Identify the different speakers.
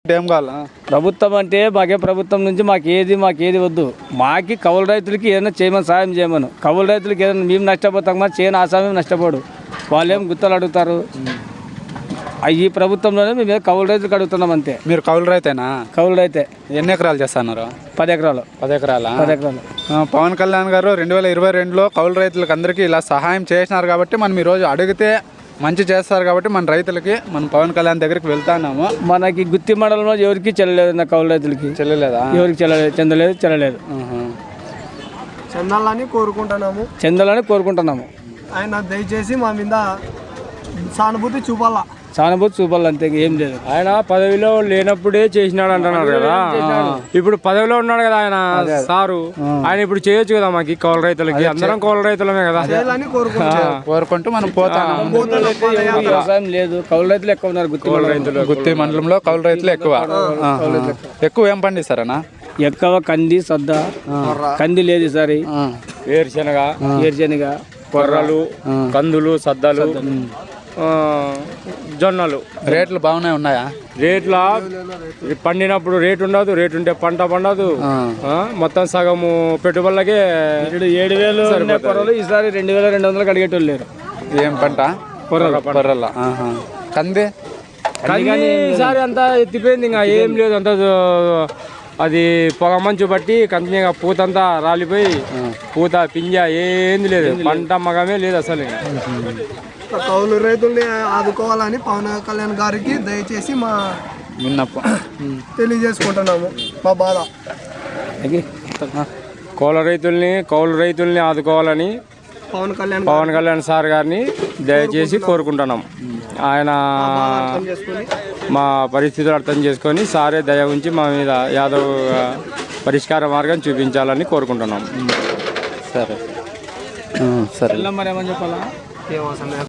Speaker 1: ఏం కావాలా
Speaker 2: ప్రభుత్వం అంటే ప్రభుత్వం నుంచి మాకేది వద్దు. మాకి కౌలు రైతులకి ఏదైనా చేయమని సాయం చేయమను. కౌలు రైతులకి ఏదైనా మేము నష్టపోతాం కానీ చేయని ఆసామేం నష్టపోడు. వాళ్ళు ఏం గుత్తలు అడుగుతారు. ఈ ప్రభుత్వంలోనే మేము కౌలు రైతులకు అడుగుతున్నాం అంతే.
Speaker 1: మీరు కౌలు రైతేనా?
Speaker 2: కౌలు రైతే.
Speaker 1: ఎన్ని ఎకరాలు చేస్తున్నారు?
Speaker 2: 10 ఎకరాలు.
Speaker 1: 10 ఎకరాలా?
Speaker 2: 10 ఎకరాలు.
Speaker 1: పవన్ కళ్యాణ్ గారు 2022లో కౌలు రైతులకు అందరికీ ఇలా సహాయం చేసినారు కాబట్టి మనం ఈరోజు అడిగితే మంచి చేస్తారు కాబట్టి మన రైతులకి మనం పవన్ కళ్యాణ్ దగ్గరికి వెళ్తాన్నాము.
Speaker 2: మనకి గుత్తి మండలంలో ఎవరికి చెల్లలేదు. నా కౌలు రైతులకి
Speaker 1: చెల్లలేదా?
Speaker 2: ఎవరికి చెల్లలేదు. చెందాలని కోరుకుంటున్నాము.
Speaker 3: ఆయన దయచేసి మా మీద సానుభూతి చూపాలా
Speaker 2: అంతే, ఏం లేదు.
Speaker 4: ఆయన పదవిలో లేనప్పుడే చేసినాడు అంటున్నారు కదా. ఇప్పుడు పదవిలో ఉన్నాడు కదా ఆయన సారు. ఆయన ఇప్పుడు చేయొచ్చు కదా మాకు కౌలు రైతులకి. అందరం కౌలు రైతులమే కదా
Speaker 1: కోరుకుంటూ మనం పోతాము.
Speaker 2: వ్యవసాయం లేదు, కౌలు రైతులు ఎక్కువ ఉన్నారు.
Speaker 1: గుత్తి మండలంలో కౌలు రైతులు ఎక్కువ ఏం పండిస్తారనా?
Speaker 2: ఎక్కువ కంది, సద్ద. కంది లేదు ఈసారి.
Speaker 4: వేరుశనగ, కొర్రలు, కందులు, సద్దలు, జొన్నలు.
Speaker 1: రేట్లు బాగానే ఉన్నాయా?
Speaker 4: రేట్ల పండినప్పుడు రేటు ఉండదు, రేటు ఉంటే పంట పండదు. మొత్తం సగము పెట్టుబడులకే
Speaker 2: 7,000 కొర్రలు ఈసారి 2,200 అడిగేటోళ్ళు లేరు.
Speaker 1: ఏం పంట? కొర్రల. కంది
Speaker 4: ఈసారి అంతా ఎత్తిపోయింది. ఇంకా ఏం లేదు, అంతా అది పొగ మంచు బట్టి కంటిన్యూగా పూతంతా రాలిపోయి పూత పింజ ఏంది లేదు, పంట మగమే లేదు అసలు.
Speaker 3: కౌలు రైతుల్ని ఆదుకోవాలని పవన్ కళ్యాణ్ గారికి దయచేసి మా
Speaker 1: విన్నప్ప
Speaker 3: తెలియజేసుకుంటున్నాము మా బాధ.
Speaker 4: కౌలు రైతుల్ని ఆదుకోవాలని పవన్ కళ్యాణ్ సార్ గారిని దయచేసి కోరుకుంటున్నాం. ఆయన మా పరిస్థితులు అర్థం చేసుకొని సారే దయ ఉంచి మా మీద యాదవ్ పరిష్కార మార్గం చూపించాలని కోరుకుంటున్నాం.
Speaker 1: సరే సరే.
Speaker 2: మరి ఏమని చెప్పాలా?